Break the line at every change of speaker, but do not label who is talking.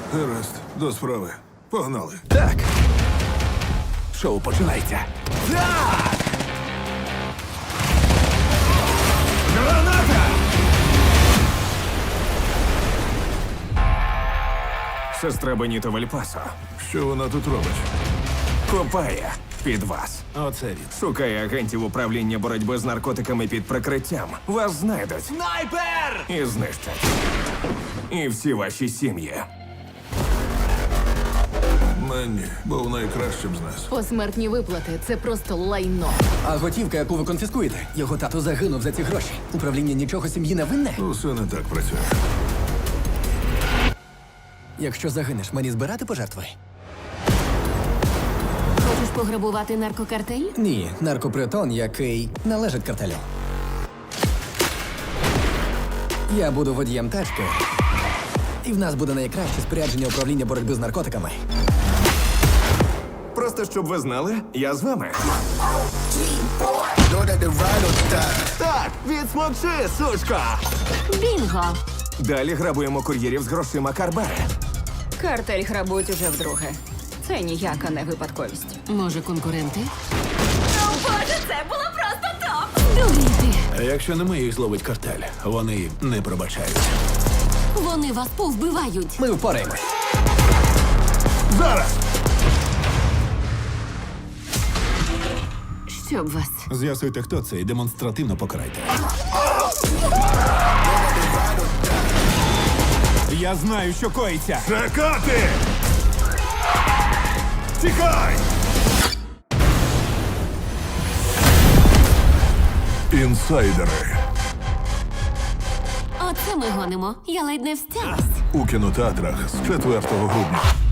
Гаразд, до справи. Погнали.
Так. Шоу починається. Так! Граната! Сестра Беніто Вельпасо
Що вона тут робить?
копає під вас.
Оце він.
Шукає агентів управління боротьби з наркотиками під прикриттям. Вас знайдуть. Снайпер! І знищать. І всі ваші сім'ї.
Мені був найкращим з нас.
Посмертні виплати це просто лайно.
А готівка, яку ви конфіскуєте, його тато загинув за ці гроші. Управління нічого сім'ї не винне.
Усе не так працює.
Якщо загинеш, мені збирати пожертви?
Хочеш пограбувати наркокартель?
Ні, наркопритон, який належить картелю. Я буду водієм тачки, і в нас буде найкраще спорядження управління боротьби з наркотиками.
Просто щоб ви знали, я з вами. Так, відсмокши, сучка!
Бінго!
Далі грабуємо кур'єрів з грошима Карбари.
Картель грабують уже вдруге. Це ніяка не випадковість.
Може, конкуренти?
О, Боже, це було просто топ!
Дурій ти!
А якщо не ми їх зловить картель, вони не пробачають.
Вони вас повбивають.
Ми впораємось.
Зараз!
Щоб вас.
З'ясуйте, хто це, і демонстративно покарайте.
Я знаю, що коїться.
Чекати! Тікай! Інсайдери
Оце ми гонимо. Я ледь не встялась.
у кінотеатрах з 4 грудня.